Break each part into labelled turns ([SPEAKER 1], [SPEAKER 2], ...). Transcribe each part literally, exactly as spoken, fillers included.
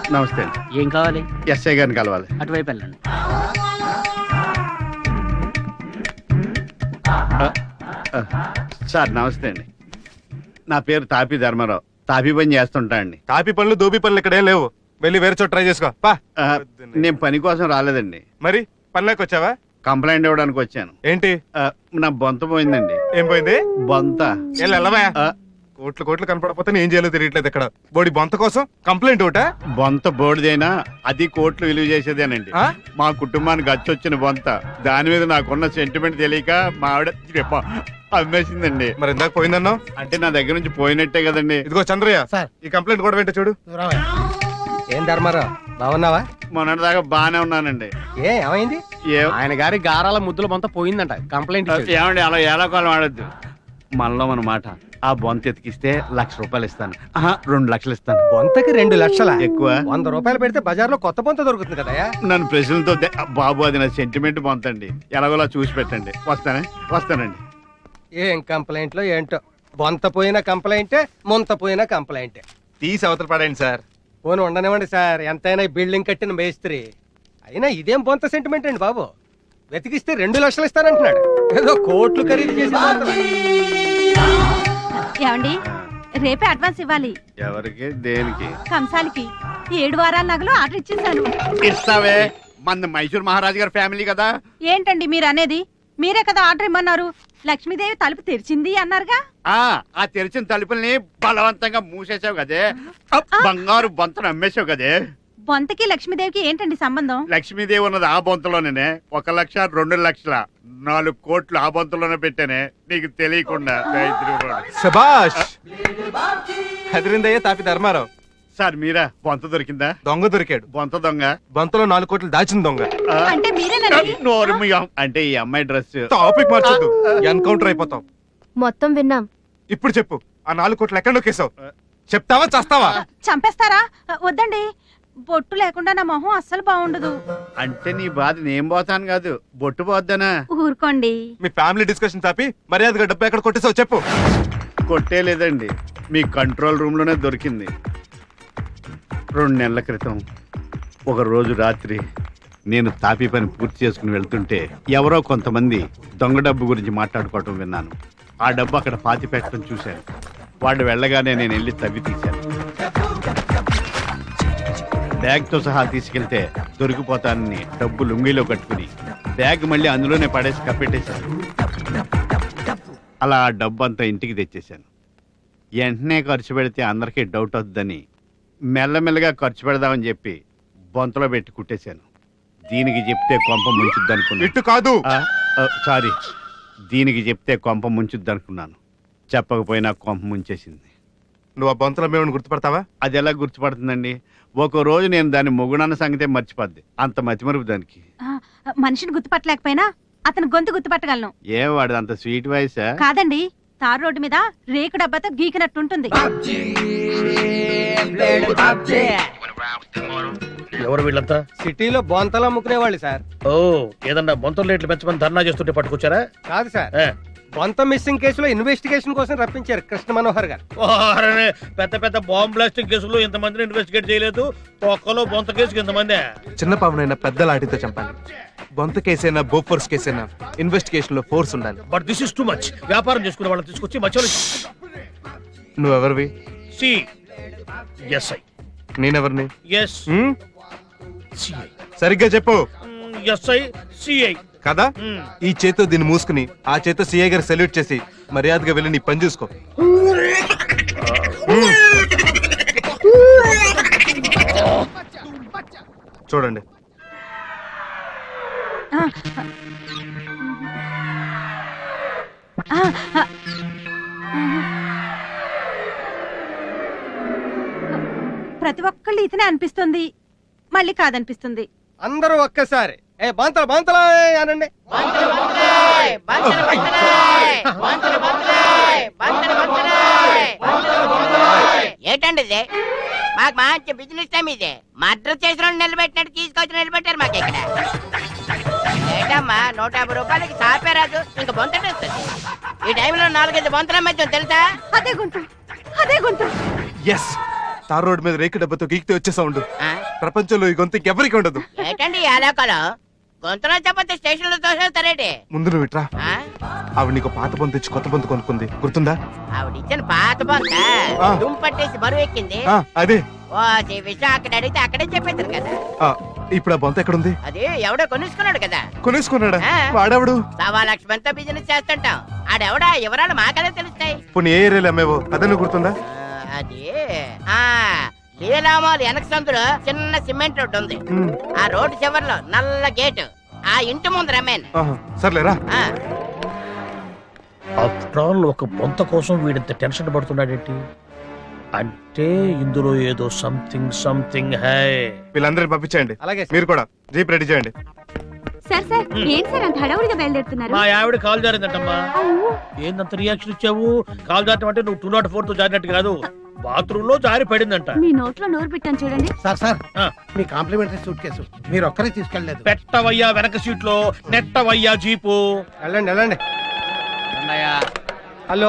[SPEAKER 1] నమస్తే అండి.
[SPEAKER 2] ఏం కావాలి?
[SPEAKER 1] ఎస్ఐ గారిని కలవాలి.
[SPEAKER 2] అటువైపు వెళ్ళండి.
[SPEAKER 1] సార్ నమస్తే అండి. నా పేరు తాపి ధర్మారావు. తాపి పని చేస్తుంటా అండి.
[SPEAKER 3] తాపి పనులు దోబి పనులు ఇక్కడేం లేవు. వెళ్ళి వేరే చోట ట్రై చేసుకో పా.
[SPEAKER 1] ఆ, నేను పని కోసం రాలేదండి.
[SPEAKER 3] మరి పనిలోకి వచ్చావా?
[SPEAKER 1] కంప్లైంట్ ఇవ్వడానికి వచ్చాను.
[SPEAKER 3] ఏంటి?
[SPEAKER 1] ఆ, నా బొంత పోయిందండి.
[SPEAKER 3] ఏం పోయింది?
[SPEAKER 1] బొంత.
[SPEAKER 3] వెళ్ళవా?
[SPEAKER 1] ఆ,
[SPEAKER 3] కోట్లు కోట్లు కనపడకపోతే నేను ఏం చేయాలో తెలియట్లేదు. ఇక్కడ బోడి బొంత కోసం కంప్లైంట్ ఒకట?
[SPEAKER 1] బొంత బోడిదైనా అది కోట్లు విలువ చేసేదేనండి.
[SPEAKER 3] ఆ?
[SPEAKER 1] మా కుటుంబానికి అచ్చొచ్చిన బొంత. దాని మీద నాకున్న సెంటిమెంట్ తెలియక మా ఆవిడ చెప్ప అమ్మేసిందండి.
[SPEAKER 3] మరి ఇందాక పోయిందన్నావు?
[SPEAKER 1] అంటే నా దగ్గర నుంచి పోయినట్టే కదండి.
[SPEAKER 3] ఇదిగో చంద్రయ్య
[SPEAKER 4] సార్.
[SPEAKER 3] ఈ కంప్లైంట్ కూడా వెంట చూడు.
[SPEAKER 4] ఏం ధర్మారావు, బాగున్నావా?
[SPEAKER 1] మొన్నటి దాకా బాగానే ఉన్నానండి.
[SPEAKER 4] ఏ ఏమైంది?
[SPEAKER 1] ఏ-
[SPEAKER 4] ఆయన గారి గారాల ముద్దుల మొత్తం పోయిందంట. కంప్లైంట్ ఇచ్చాడు.
[SPEAKER 1] ఏమండి అలా ఏలాకాలం ఆడద్దు. మనలో మన మాట. ఆ బొంత ఎతికిస్తే లక్ష రూపాయలు ఇస్తాను. ఆహా, రెండు లక్షలు ఇస్తాను.
[SPEAKER 4] బొంతకి రెండు లక్షల
[SPEAKER 1] ఎక్కువ.
[SPEAKER 4] వంద రూపాయలు పెడితే బజార్లో కొత్త బొంత దొరుకుతుంది కదా.
[SPEAKER 1] నన్ను ప్రశ్నలతో దే- బాబు అది నా సెంటిమెంట్ బొంతండి. ఎలాగోలా చూసి పెట్టండి. వస్తానే వస్తానండి.
[SPEAKER 4] ఏం కంప్లైంట్లో ఏంటో. బొంత పోయిన కంప్లైంటే, ముంత పోయిన కంప్లైంటే.
[SPEAKER 3] తీసి అవతల పడండి సార్.
[SPEAKER 4] పోను ఉండనివ్వండి సార్. ఎంతైనా ఈ బిల్డింగ్ కట్టిన మేస్త్రి. అయినా ఇదేం బొంత సెంటిమెంట్ అండి బాబు. వెతికిస్తే రెండు లక్షలు ఇస్తానంటున్నాడు. ఏదో కోట్లు ఖరీదు చేసి
[SPEAKER 5] ఏమండి, రేపే అడ్వాన్స్ ఇవ్వాలి.
[SPEAKER 1] ఎవరికి దేనికి?
[SPEAKER 5] కంసాలికి ఏడు వారాల నగలు ఆర్డర్ ఇచ్చేసాను.
[SPEAKER 1] ఇస్తావే. మన మైసూర్ మహారాజు గారి ఫ్యామిలీ కదా.
[SPEAKER 5] ఏంటండి మీరు అనేది? మీరే కదా ఆర్డర్ ఇమ్మన్నారు. లక్ష్మీదేవి తలుపు తెరిచింది అన్నారుగా.
[SPEAKER 1] ఆ ఆ తెరిచిన తలుపుల్ని బలవంతంగా మూసేసావు కదే. ఆ బంగారు బొంతను అమ్మేసావు కదే.
[SPEAKER 5] బొంతకి లక్ష్మీదేవికి ఏంటండి సంబంధం?
[SPEAKER 1] లక్ష్మీదేవి ఉన్నది ఆ బొంతలోనే. ఒక లక్ష రెండు లక్షల నాలుగు కోట్లు ఆ బొంతలోనే పెట్టానే, నీకు తెలియకుండా.
[SPEAKER 3] శబాష్. హెదరిందయ్య తాపి ధర్మారావు.
[SPEAKER 1] సార్ మీరా? బొంత దొరికిందా?
[SPEAKER 3] దొంగ దొరికాడు.
[SPEAKER 1] బొంత దొంగ.
[SPEAKER 3] బొంతలో నాలుగు కోట్లు దాచిన దొంగ.
[SPEAKER 1] ఆ,
[SPEAKER 5] అంటే మీరేనండి.
[SPEAKER 1] నోరు మూయం. అంటే ఈ అమ్మాయి డ్రెస్.
[SPEAKER 3] టాపిక్ మార్చొద్దు, ఎన్కౌంటర్ అయిపోతాం.
[SPEAKER 6] మొత్తం విన్నాం.
[SPEAKER 3] ఇప్పుడు చెప్పు, ఆ నాలుగు కోట్లు ఎక్కడ నొక్కేసావు? చెప్తావా చస్తావా?
[SPEAKER 5] చంపేస్తారా? వద్దండి, బొట్టు లేకుండా నా మొహం అస్సలు బాగుండదు.
[SPEAKER 1] అంటే నీ బాధ నేను పోతాను కాదు, బొట్టు పోద్దనా?
[SPEAKER 5] ఊరుకోండి.
[SPEAKER 3] మీ ఫ్యామిలీ డిస్కషన్ తాపి మర్యాదగా డబ్బు ఎక్కడ కొట్టేసావు చెప్పు.
[SPEAKER 1] కొట్టే లేదండి, మీ కంట్రోల్ రూమ్ లోనే దొరికింది. రెండు నెలల క్రితం ఒక రోజు రాత్రి నేను తాపీ పని పూర్తి చేసుకుని వెళ్తుంటే ఎవరో కొంతమంది దొంగ డబ్బు గురించి మాట్లాడుకోవటం విన్నాను. ఆ డబ్బు అక్కడ పాతి పెట్టడం చూశాను. వాళ్ళు వెళ్ళగానే నేను వెళ్ళి తవ్వి తీశాను. బ్యాగ్తో సహా తీసుకెళ్తే దొరికిపోతానని డబ్బు లుంగిలో కట్టుకుని బ్యాగ్ మళ్ళీ అందులోనే పడేసి కప్పెట్టేశాను. అలా ఆ డబ్బు అంతా ఇంటికి తెచ్చేశాను. వెంటనే ఖర్చు పెడితే అందరికీ డౌట్ అవుతుందని మెల్లమెల్లగా ఖర్చు పెడదామని చెప్పి బొంతలో పెట్టి కుట్టేశాను. దీనికి చెప్తే కొంప ముంచుద్ది అనుకున్నాను.
[SPEAKER 3] ఇట్టు కాదు,
[SPEAKER 1] సారీ, దీనికి చెప్తే కొంప ముంచుద్ది అనుకున్నాను. చెప్పకపోయినా కొంప ముంచేసింది.
[SPEAKER 3] నువ్వు ఆ బొంతలో మేము గుర్తుపడతావా?
[SPEAKER 1] అది ఎలా గుర్తుపడుతుందండి? ఒక రోజు నేను దాని మొగుడన్న సంగతే మర్చిపోద్ది. అంత మతిమరుపు దానికి.
[SPEAKER 5] ఆ, మనిషిని గుర్తుపట్టలేకపోయినా అతను గొంతు గుర్తుపట్టగలను.
[SPEAKER 1] ఏ వాడు అంత స్వీట్ వాయిసా?
[SPEAKER 5] కాదండి, తారు రోడ్డు మీద రేకు డబ్బాతో గీకినట్టుంటుంది.
[SPEAKER 2] ఎవరు వీళ్ళంతా?
[SPEAKER 4] సిటీలో బొంతలు అమ్ముకునే వాళ్ళు సార్.
[SPEAKER 2] ఓ, ఏదన్నా బొంతల రేట్లు పెంచమని ధర్నా చేస్తుంటే పట్టుకొచ్చారా?
[SPEAKER 4] కాదు సార్,
[SPEAKER 2] ఏ.
[SPEAKER 4] బొంత మిస్సింగ్ కేసులో ఇన్వెస్టిగేషన్ కోసం రప్పించారు కృష్ణ మనోహర్ గారు.
[SPEAKER 2] ఓరనే, పెద్ద పెద్ద బాంబ్ బ్లాస్టింగ్ కేసులు ఇంతమందిని ఇన్వెస్టిగేట్ చేయలేదు. ఒక్కలో బొంత కేసుకి ఇంతమంది.
[SPEAKER 3] చిన్న పావునైనా పెద్ద లాఠీతో చంపాలి. బొంత కేసైనా బోఫోర్స్ కేసైనా ఇన్వెస్టిగేషన్ లో ఫోర్స్ ఉండాలి.
[SPEAKER 2] But this is too much. వ్యాపారం చేసుకునే వాళ్ళని తీసుకొచ్చి మధ్యలో
[SPEAKER 3] నువ్వెవరివి?
[SPEAKER 2] C SI.
[SPEAKER 3] నేనెవరిని?
[SPEAKER 2] S
[SPEAKER 3] hmm?
[SPEAKER 2] సిఐ.
[SPEAKER 3] సరిగ్గా చెప్పు.
[SPEAKER 2] ఎస్ఐ సిఐ
[SPEAKER 3] కదా? ఈ చేతో దీన్ని మూసుకుని ఆ చేతో సిఐ గారు సెల్యూట్ చేసి మర్యాదగా వెళ్ళి నీ పని చూసుకో. చూడండి.
[SPEAKER 5] ఆ, ఆ, ఆ, ప్రతి ఒక్కళ్ళు ఇతనే అనిపిస్తుంది, మళ్ళీ కాదనిపిస్తుంది.
[SPEAKER 4] అందరూ ఒక్కసారి ఏ బాంతలు బాంతలా అనండి.
[SPEAKER 7] ఏంటండి ఇది? మాకు మంచి బిజినెస్ టైం ఇది. మర్డర్ చేసిన నిలబెట్టినట్టు తీసుకొచ్చి నిలబెట్టారు మాకు ఇక్కడ. ఏంటమ్మా, నూట యాభై రూపాయలకి సాపే రాదు, ఇంకా బొంతటేస్తుంది. ఈ టైంలో నాలుగైదు బొంతల మధ్య తెలుసా?
[SPEAKER 5] అదే గుంటు, అదే గుంటు.
[SPEAKER 3] ఎస్, తార్ రోడ్ మీద రేకు డబ్బతో గీకితే వచ్చే సౌండ్
[SPEAKER 7] ఆ?
[SPEAKER 3] ప్రపంచంలో ఈ గొంతు ఎవరికి ఉండదు.
[SPEAKER 7] ఏటండి ఈ అలోకలో గొంతులో చెప్పతే స్టేషన్ లో తోసేస్తారేటి
[SPEAKER 3] ముందు నువ్వు ఇట్రా.
[SPEAKER 7] ఆ?
[SPEAKER 3] ఆవిడ నీకు పాత బొంత ఇచ్చి కొత్త బొంత కొనుక్కుంది, గుర్తుందా?
[SPEAKER 7] ఆవిడ ఇచ్చిన పాత బొంత
[SPEAKER 3] ఆ.
[SPEAKER 7] దుమ్ పట్టేసి బరువు ఎక్కింది.
[SPEAKER 3] ఆ, అదే.
[SPEAKER 7] ఓ ఈ విషయం అక్కడ అడిగితే అక్కడే చెప్పేస్తారు కదా.
[SPEAKER 3] ఆ, ఇప్పుడు ఆ బొంత ఎక్కడుంది?
[SPEAKER 7] అది ఎవడో కొనుక్కున్నాడు కదా.
[SPEAKER 3] కొనేసుకున్నాడా?
[SPEAKER 7] ఆ.
[SPEAKER 3] వాడెవడు?
[SPEAKER 7] సవా లక్ష మందితో బిజినెస్ చేస్తుంటాం. ఆడెవడా వివరాలు మాకదే తెలుస్తాయి.
[SPEAKER 3] పోనీ ఏ ఏరియాలో అమ్మేవో అదನ್ನು గుర్తుందా?
[SPEAKER 7] ఆ, అది ఆ లీలామాల్ వెనక సందులో చిన్న సిమెంట్ రోడ్డు ఉంది.
[SPEAKER 3] ఉమ్,
[SPEAKER 7] ఆ రోడ్డు చివర్లో నల్ల గేటు. ఆ ఇంటి ముందు రమ్మేన్.
[SPEAKER 3] ఆహా, సర్లేరా.
[SPEAKER 2] ఆఫ్టర్ ఆల్ ఒక బొంత కోసం వీడింత టెన్షన్ పడుతున్నాడేంటి? అంటే ఇందులో ఏదో సంథింగ్ సంథింగ్ హై.
[SPEAKER 3] వీళ్ళందరినీ పంపించేయండి.
[SPEAKER 4] అలాగే సార్.
[SPEAKER 3] మీరు కూడా జీప్ రెడీ చేయండి.
[SPEAKER 5] సార్ సార్ ఏం సార్ అంత హడావుడిగా బయలుదేరుతున్నారు?
[SPEAKER 2] మా ఆవిడ కాల్ జారిందటమ్మా. ఏందంత రియాక్షన్ ఇచ్చావు? కాల్ జారటం అంటే నువ్వు టూ నాట్ ఫోర్ తో జారినట్టు కాదు, బాత్రూమ్ లో జారి పడిందంట.
[SPEAKER 5] మీ నోట్లో నోరు పెట్టాను చూడండి.
[SPEAKER 6] సార్ సార్
[SPEAKER 2] ఆ.
[SPEAKER 6] మీ కాంప్లిమెంటరీ సూట్ కేసు మీరు ఒక్కరే తీసుకెళ్ళలేదు.
[SPEAKER 2] పెట్టవయ్యా వెనక సీట్ లో, నెట్టవయ్యా జీపు.
[SPEAKER 4] వెళ్ళండి వెళ్ళండి. హలో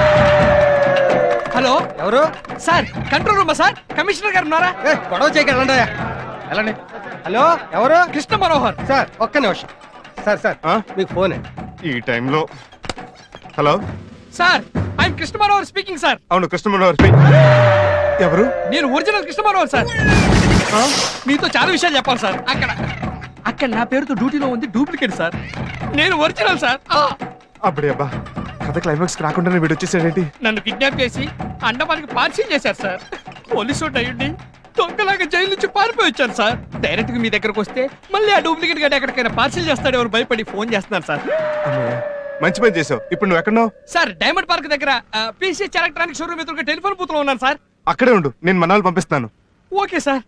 [SPEAKER 3] హలో,
[SPEAKER 4] ఎవరు?
[SPEAKER 3] సార్ కంట్రోల్ రూమా సార్? కమిషనర్ గారు ఉన్నారా?
[SPEAKER 4] ఏ, గొడవ చేయక వెళ్ళండి.
[SPEAKER 3] వెళ్ళండి.
[SPEAKER 4] హలో ఎవరు?
[SPEAKER 3] కృష్ణ మనోహర్
[SPEAKER 4] సార్ ఒక్క నిమిషం. సార్ సార్
[SPEAKER 3] ఆ?
[SPEAKER 4] మీకు ఫోన్
[SPEAKER 3] ఈ టైంలో. Hello
[SPEAKER 8] sir, I'm Krishna Manohar speaking sir.
[SPEAKER 3] అవును, కృష్ణ మనోహర్. ఎవరు?
[SPEAKER 8] నేను ఒరిజినల్ కృష్ణ మనోహర్ సార్. మీతో చాలా విషయాలు చెప్పాలి సార్. అక్కడ అక్కడ నా పేరుతో డ్యూటీలో ఉంది డూప్లికేట్ సార్. నేను ఒరిజినల్ సార్. ఆ,
[SPEAKER 3] అప్పుడే అబ్బా, కథ క్లైమాక్స్ రాకుండానే వీడు వచ్చేసాడేంటి?
[SPEAKER 8] నన్ను కిడ్నాప్ చేసి అండమానికి పార్సిల్ చేశారు సార్. పోలీసు అయ్యుండి దొంగలాగా జైలు నుంచి పారిపోయి వచ్చాను సార్. డైరెక్ట్ గా మీ దగ్గరకు వస్తే మళ్ళీ ఆ డూప్లికేట్ గారు ఎక్కడికైనా పార్సిల్ చేస్తాడేమో భయపడి ఫోన్ చేస్తున్నాను సార్.
[SPEAKER 3] అమ్మయ్య, మంచి పని చేసావు. ఇప్పుడు నువ్వు ఎక్కడున్నావు?
[SPEAKER 8] సార్ డైమండ్ పార్క్ దగ్గర పీసీఎస్ ఎలక్ట్రానిక్ షోరూమ్ ఎదురుగా టెలిఫోన్ బూత్ లో ఉన్నాను సార్.
[SPEAKER 3] అక్కడే ఉండు, నేను మనాలు పంపిస్తాను.
[SPEAKER 8] Okay sir.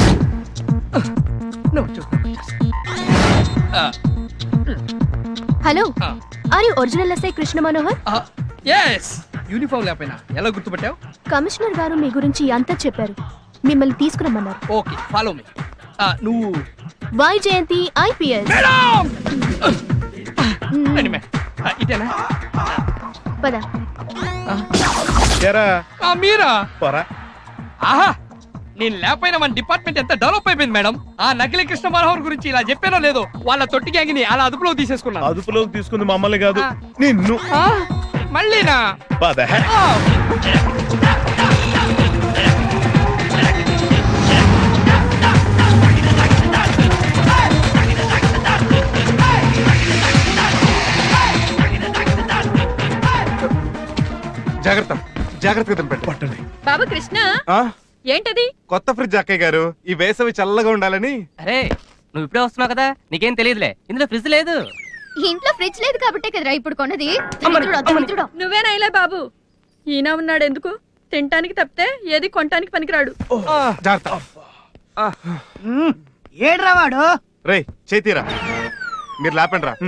[SPEAKER 9] హలో
[SPEAKER 8] ఆ.
[SPEAKER 9] Are you original SI Krishna Manohar?
[SPEAKER 8] Yes, uniform లేకపోయినా ఎలా గుర్తుపట్టావు?
[SPEAKER 9] కమిషనర్ గారు మీ గురించి అంతా చెప్పారు, మిమ్మల్ని తీసుకురమ్మన్నారు.
[SPEAKER 8] Okay, follow me. నువ్వు
[SPEAKER 9] వై జయంతి ఐపీఎస్.
[SPEAKER 8] మేడం రండి మేడం. ఆ, ఇదేనా?
[SPEAKER 9] పద.
[SPEAKER 8] ఆ, మీరా?
[SPEAKER 1] పోరా.
[SPEAKER 8] ఆహా, నేను లేకపోయినా మన డిపార్ట్మెంట్ ఎంత డెవలప్ అయిపోయింది మేడం. ఆ నకిలీ కృష్ణ మనోహర్ గురించి ఇలా చెప్పానో లేదో, వాళ్ళ తొట్టి గ్యాంగ్ని అలా అదుపులో తీసేసుకున్నాను.
[SPEAKER 2] అదుపులోకి తీసుకుంది మమ్మల్ని కాదు,
[SPEAKER 8] ఆ.
[SPEAKER 2] నిన్ను.
[SPEAKER 8] ఆ, మళ్ళీనా?
[SPEAKER 2] పద.
[SPEAKER 8] ఆ.
[SPEAKER 3] జాగ్రత్త, జాగ్రత్తగా తినపెట్టు.
[SPEAKER 1] పట్టండి.
[SPEAKER 5] బాబా కృష్ణ
[SPEAKER 3] ఆ?
[SPEAKER 5] ఏంటది?
[SPEAKER 3] కొత్త ఫ్రిడ్జ్ అక్కయ్య గారు, ఈ వేసవి చల్లగా ఉండాలని.
[SPEAKER 10] అరే నువ్వు ఇప్పుడే వస్తున్నావు కదా, నీకేం తెలియదులే, ఇందులో ఫ్రిడ్జ్ లేదు.
[SPEAKER 9] ఇంట్లో ఫ్రిడ్జ్ లేదు కాబట్టే కదరా ఇప్పుడు కొన్నది. దరిద్రుడా, దరిద్రుడా.
[SPEAKER 5] నువ్వేనాయిలే బాబు, ఈయన ఉన్నాడు ఎందుకు? తినటానికి తప్పితే ఏది కొనటానికి పనికిరాడు.
[SPEAKER 3] జాగ్రత్త.
[SPEAKER 6] ఏడ్రా వాడు?
[SPEAKER 3] రేయ్ చేతీరా, మీరు లేపండి రా.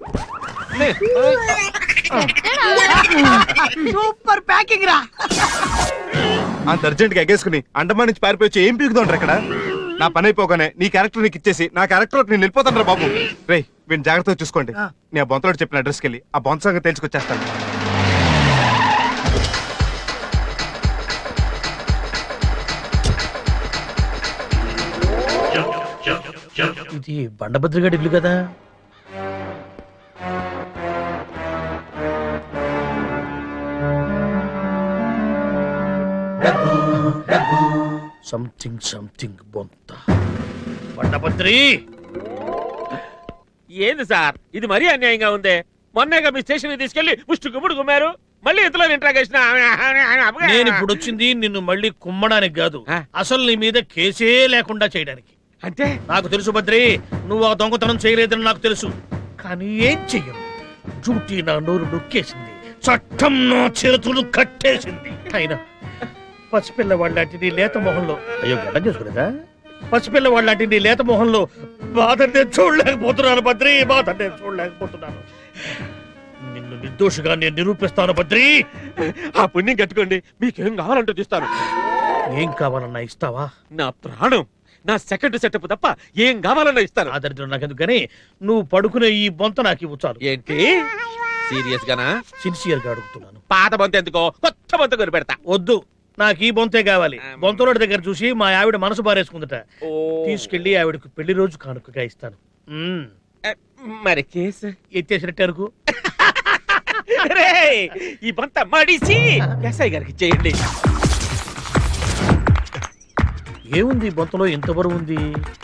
[SPEAKER 6] సూపర్ ప్యాకింగ్ రా.
[SPEAKER 3] అంత అర్జెంట్ గా ఎగేసుకుని అండమాన్ నుంచి పారిపోయి వచ్చి ఏం పీకుతుంటారు ఇక్కడ? నా పని అయిపోగానే నీ క్యారెక్టర్ నీకు ఇచ్చేసి నా క్యారెక్టర్ నేను వెళ్ళిపోతాను రా బాబు. రేయ్ వీడిని జాగ్రత్తగా చూసుకోండి. నేను ఆ బొంతలో చెప్పిన అడ్రస్కి వెళ్ళి ఆ బొంత సంగతి తెలుసుకొచ్చేస్తాను.
[SPEAKER 2] ఇది బండభద్రగాడి ఇల్లు కదా. సంథింగ్ సంథింగ్ బొంత. బండభద్రి
[SPEAKER 11] ఏంది సార్ ఇది మరీ అన్యాయంగా ఉంది. మొన్నేగా మీ స్టేషన్ తీసుకెళ్లి ముష్టి గుమ్ముడు గుమ్మారు, మళ్ళీ ఇంతలో ఇంట్రాగేషన్.
[SPEAKER 2] నేను ఇప్పుడు వచ్చింది నిన్ను మళ్ళీ కుమ్మడానికి కాదు,
[SPEAKER 11] ఆ.
[SPEAKER 2] అసలు నీ మీద కేసే లేకుండా చేయడానికి.
[SPEAKER 11] అంటే
[SPEAKER 2] నాకు తెలుసు భద్రి, నువ్వు ఆ దొంగతనం చేయలేదని నాకు తెలుసు, కానీ ఏం చెయ్యను. డ్యూటీ నా నోరు నొక్కేసింది, చట్టం నా చేతులు కట్టేసింది. అయినా పసిపిల్లవాళ్ళంటి నీ లేత మొహంలో, అయ్యో గడ్డం చేసుకునేదా? పసిపిల్లవాళ్ళంటి నీ లేత మొహంలో బాధ నేను చూడలేకపోతున్నాను భద్రి, బాధ నేను చూడలేకపోతున్నాను. నిన్ను నిర్దోషిగా నేను నిరూపిస్తాను భద్రి.
[SPEAKER 11] ఆ పుణ్యం కట్టుకోండి, మీకేం కావాలంటూ తీస్తాను.
[SPEAKER 2] ఏం కావాలన్నా ఇస్తావా?
[SPEAKER 11] నా ప్రాణం, నా సెకండ్ సెటప్ తప్ప ఏం కావాలన్నా ఇస్తాను.
[SPEAKER 2] ఆ దరిద్రం నాకెందుకు కానీ నువ్వు పడుకునే ఈ బొంత నాకు ఇవ్వు చాలు.
[SPEAKER 11] ఏంటి సీరియస్ గానా?
[SPEAKER 2] సిన్సియర్ గా అడుగుతున్నాను.
[SPEAKER 11] పాత బొంత ఎందుకో, కొత్త బొంత కొని పెడతా.
[SPEAKER 2] వద్దు, నాకు ఈ బొంతే కావాలి. బొంతలోడి దగ్గర చూసి మా ఆవిడ మనసు బారేసుకుందట. తీసుకెళ్లి ఆవిడకు పెళ్లి రోజు కానుకగా ఇస్తాను. మ్మ్.
[SPEAKER 11] మరి కేసు
[SPEAKER 2] ఎత్తేసినట్టు అనుకో.
[SPEAKER 11] రేయ్, ఈ బంత మడిసి ఎస్ఐ గారికి చేయండి.
[SPEAKER 2] ఏముంది ఈ బొంతలో ఎంత బరువు ఉంది?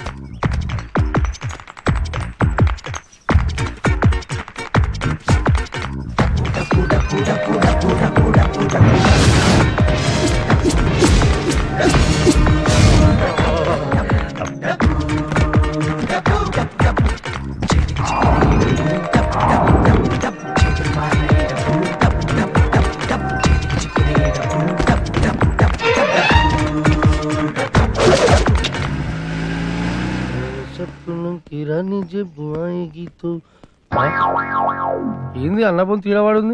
[SPEAKER 4] ఏంది అన్నపొంతు తీరవాడుంది?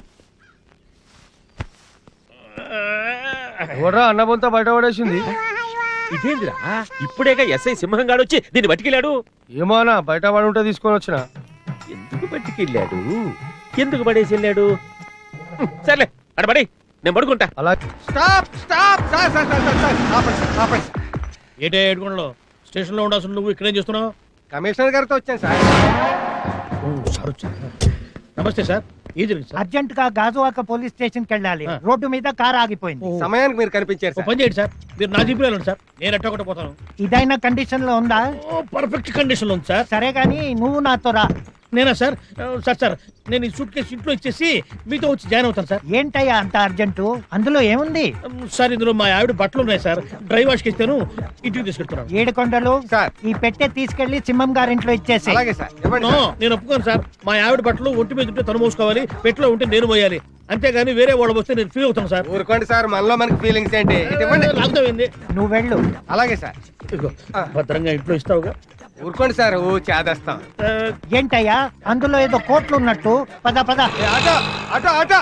[SPEAKER 4] ఎవడ్రా అన్నపొంత బయట పడేసింది?
[SPEAKER 11] ఇదేందిరా ఇప్పుడేగా ఎస్ఐ సింహం గాడు వచ్చి దీన్ని బతికిలాడు.
[SPEAKER 4] ఏమోనా బయట పడి ఉంటే తీసుకొని వచ్చిన.
[SPEAKER 11] ఎందుకు బతికిల్లాడు, ఎందుకు పడేసి వెళ్ళాడు? సర్లే అడ పడి, నేను పడుకుంటా.
[SPEAKER 4] అలా stop stop sir sir sir sir sir ఆపండి ఆపండి.
[SPEAKER 2] ఏటే ఏడుకొండలో స్టేషన్ లో ఉండాల్సిన నువ్వు ఇక్కడేం చేస్తున్నావు?
[SPEAKER 4] కమిషనర్ గారితో వచ్చాను సార్.
[SPEAKER 2] ఓ, సార్ వచ్చారా? నమస్తే సార్. ఏం జరిగింది సార్?
[SPEAKER 6] అర్జెంట్ గా గాజువాక పోలీస్ స్టేషన్ కి వెళ్ళాలి.
[SPEAKER 2] ఆ.
[SPEAKER 6] రోడ్డు మీద కార్ ఆగిపోయింది.
[SPEAKER 2] ఓ,
[SPEAKER 4] సమయానికి మీరు కనిపించారు
[SPEAKER 2] ఓ
[SPEAKER 4] సార్.
[SPEAKER 2] పని చేయండి సార్, మీరు నా జీపులో వెళ్ళండి సార్, నేను ఎట్ట ఒకటి పోతాను.
[SPEAKER 6] ఇదైనా కండిషన్ లో ఉందా?
[SPEAKER 2] ఓ, పర్ఫెక్ట్ కండిషన్ లో ఉంది సార్.
[SPEAKER 6] సరే గాని నువ్వు నాతో రా.
[SPEAKER 2] నేనా సార్? ఆ, సార్ సార్ నేను ఈ సూట్ కేసు ఇంట్లో ఇచ్చేసి మీతో వచ్చి జాయిన్ అవుతాను సార్.
[SPEAKER 6] ఏంటయ్యా అంత అర్జెంటు? అందులో ఏముంది?
[SPEAKER 2] ఉమ్, సార్ ఇందులో మా ఆవిడ బట్టలు ఉన్నాయి సార్, డ్రై వాష్ కి ఇస్తాను, ఇంటికి తీసుకెళ్తున్నాను.
[SPEAKER 6] ఏడుకొండలు
[SPEAKER 4] సార్.
[SPEAKER 6] ఈ పెట్టె తీసుకెళ్లి సింహం గారింట్లో ఇచ్చేసి.
[SPEAKER 4] అలాగే సార్ ఇవ్వండి
[SPEAKER 2] నో,
[SPEAKER 4] సార్.
[SPEAKER 2] నేను ఒప్పుకోను సార్. మా ఆవిడ బట్టలు ఒంటి మీద ఉంటే తను మోసుకోవాలి, పెట్టిలో ఉంటే నేను మోయాలి. అంతేగాని వేరే వాళ్ళు వస్తే నేను ఫీల్ అవుతాను సార్.
[SPEAKER 4] ఊరుకోండి సార్, మనలో మనకి ఫీలింగ్స్ ఏంటి? ఇటు ఇవ్వండి.
[SPEAKER 2] లాగుతామైంది.
[SPEAKER 6] నువ్వు వెళ్ళు.
[SPEAKER 4] అలాగే సార్.
[SPEAKER 2] ఇదిగో, భద్రంగా ఇంట్లో ఇస్తావుగా.
[SPEAKER 4] ఊరుకోండి సార్, ఓ చేదేస్తాం.
[SPEAKER 2] ఆ,
[SPEAKER 6] ఏంటయ్యా అందులో ఏదో కోట్లు ఉన్నట్టు? పద పద.
[SPEAKER 4] ఏ, ఆటో ఆటో ఆటో.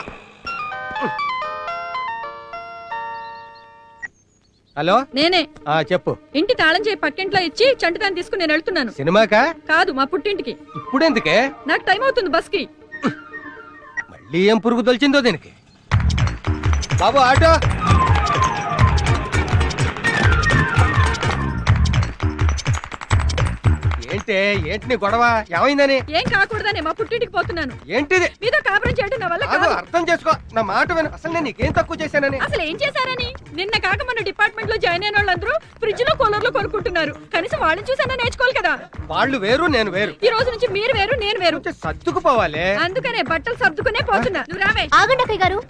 [SPEAKER 4] హలో
[SPEAKER 12] నేనే.
[SPEAKER 4] ఆ చెప్పు.
[SPEAKER 12] ఇంటి తాళం చేయి పక్కింట్లో ఇచ్చి చంటిదాన్ని తీసుకుని నేను వెళ్తున్నాను.
[SPEAKER 4] సినిమాకా?
[SPEAKER 12] కాదు, మా పుట్టింటికి.
[SPEAKER 4] ఇప్పుడెందుకే?
[SPEAKER 12] నాకు టైం అవుతుంది బస్ కి.
[SPEAKER 4] మళ్ళీ ఏం పురుగు తొలిచిందో దీనికి. బాబు ఆటో. ఏంటే ఏంటి నీ గొడవ? ఏమైందని?
[SPEAKER 12] ఏం కాకూడదని మా పుట్టింటికి పోతున్నాను.
[SPEAKER 4] ఏంటిది?
[SPEAKER 12] మీతో కాపురం చేయడం నా వల్ల
[SPEAKER 4] కాదు,
[SPEAKER 12] కాదు.
[SPEAKER 4] అర్థం చేసుకో నా మాట విను. అసలు నేను నీకేం తక్కువ చేశానని?
[SPEAKER 12] అసలు ఏం చేశారని? నిన్న కాక మన డిపార్ట్మెంట్ లో జాయిన్ అయిన వాళ్ళందరూ ఫ్రిడ్జ్ లో కూలర్ లో కొనుక్కుంటున్నారు. కనీసం వాళ్ళని చూసన్నా నేర్చుకోవాలి కదా.
[SPEAKER 4] వాళ్ళు వేరు నేను వేరు.
[SPEAKER 12] ఈ రోజు నుంచి మీరు వేరు నేను వేరు.
[SPEAKER 4] కొంచెం సర్దుకుపోవాలి.
[SPEAKER 12] అందుకనే బట్టలు సర్దుకునే పోతున్నా. నువ్వు రావే.
[SPEAKER 9] ఆగండి అక్కయ్య గారు.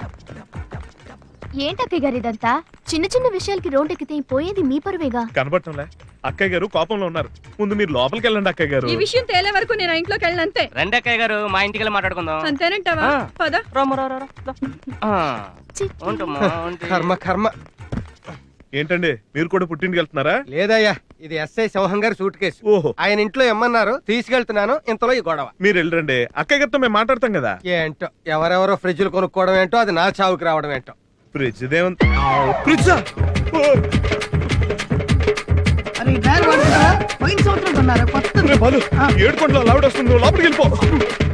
[SPEAKER 9] ఏంటి అక్కయ్య గారు ఇదంతా? చిన్న చిన్న విషయాలకి రోడ్ ఎక్కితే పోయేది మీ పరువేగా.
[SPEAKER 3] కనబడటంలే. అక్కయ్య గారు కోపంలో ఉన్నారు. ముందు మీరు లోపలికి వెళ్ళండి అక్కయ్య గారు.
[SPEAKER 12] ఈ విషయం తేలే వరకు నేను ఆ ఇంట్లోకి వెళ్ళను అంతే.
[SPEAKER 10] రండి అక్కయ్య గారు, మా ఇంటికి వెళ్ళి మాట్లాడుకుందాం.
[SPEAKER 12] అంతేనంటావా?
[SPEAKER 10] ఆ.
[SPEAKER 12] పద.
[SPEAKER 10] రామ్మ, రా, రా, రా, రా. ఆ, ఉంటమ్మా, ఉంటే.
[SPEAKER 4] కర్మ కర్మ.
[SPEAKER 3] ఏంటండి మీరు కూడా పుట్టింటికి వెళ్తున్నారా?
[SPEAKER 4] లేదయ్యా, ఇది ఎస్ఐ సింహం గారి సూట్ కేసు.
[SPEAKER 3] ఓహో,
[SPEAKER 4] ఆయన ఇంట్లో ఎమ్మన్నారు, తీసుకెళ్తున్నాను. ఇంతలో ఈ గొడవ.
[SPEAKER 3] మీరు వెళ్ళరండి, అక్కయ్య గారితో మేము మాట్లాడతాం కదా.
[SPEAKER 4] ఏంటో ఎవరెవరో ఫ్రిడ్జ్లు కొనుక్కోవడం ఏంటో, అది నా చావుకి రావడం ఏంటో.
[SPEAKER 3] ఫ్రిడ్జ్ దేవంత ఫ్రిడ్జా?
[SPEAKER 6] అరే ఈ బ్యాగ్ వాడుతున్నారా? పోయిన సంవత్సరం కొన్నారా? కొత్తది.
[SPEAKER 3] ఏడుకోండి, లావిడ వస్తుంది, లోపలికి వెళ్ళిపో.